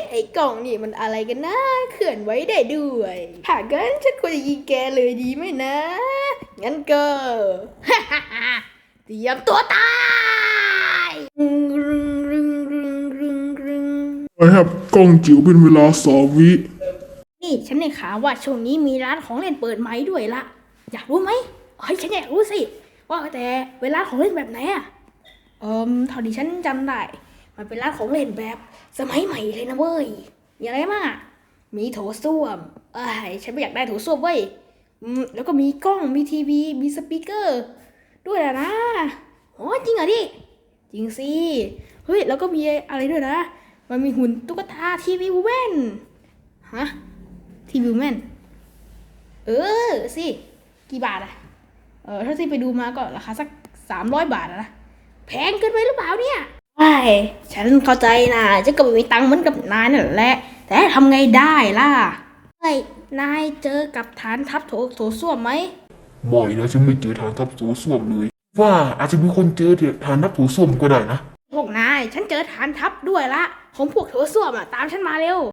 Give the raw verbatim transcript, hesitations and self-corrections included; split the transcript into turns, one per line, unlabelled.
ไอ้กล่องนี่มันอะไรกันนะเคลื่อนไหวได้ด้วยถ้างั้นฉันควรจะยิงแกเลยดีไหมนะ งั้นก็ เตรียมตัวตายรึงรึงรึงรึงรึงรึง
I have กล้องจิ๋วเป็นเวลาสองวิ
นี่ฉันได้ข่าวว่าช่วงนี้มีร้านของเล่นเปิดใหม่ด้วยละอยากรู้ไหมเฮ้ยฉันอยากรู้สิว่าแต่เวลาของเล่นแบบไหนอะเอิมเท่าที่ฉันจำได้มันเป็นร้านของเล่นแบบสมัยใหม่เลยนะเว้ยมีอะไรบ้างอะมีโถส้วมเอ้ยฉันไม่อยากได้โถส้วมเว้ยอืมแล้วก็มีกล้องมีทีวีมีสปีกเกอร์ด้วยนะนะโอ้จริงเหรอดิจริงสิเฮ้ยแล้วก็มีอะไรด้วยนะมันมีหุ่นตุ๊กตาทีวีวูแมนฮะ ทีวิวแมนเออสิกี่บาทอะเออถ้าที่ไปดูมาก็ราคาสักสามร้อยบาทอะนะแพงเกินไปหรือเปล่าเนี่ยใช่ฉันเข้าใจนะฉันก็ไม่มีตังค์เหมือนกับนายนั่นแหละแต่ทำไงได้ล่ะเฮ้ยนายเจอกับฐานทัพโถโถส้วมไหม
บ่อยนะฉันไม่เจอทางทับโถส้วมเลย ว่าอาจจะมีคนเจอทางทับโถส้วมก็ได้นะ
พวกนายฉันเจอฐานทัพด้วยละของพวกโถส้วมอะตามฉันมาเร็ว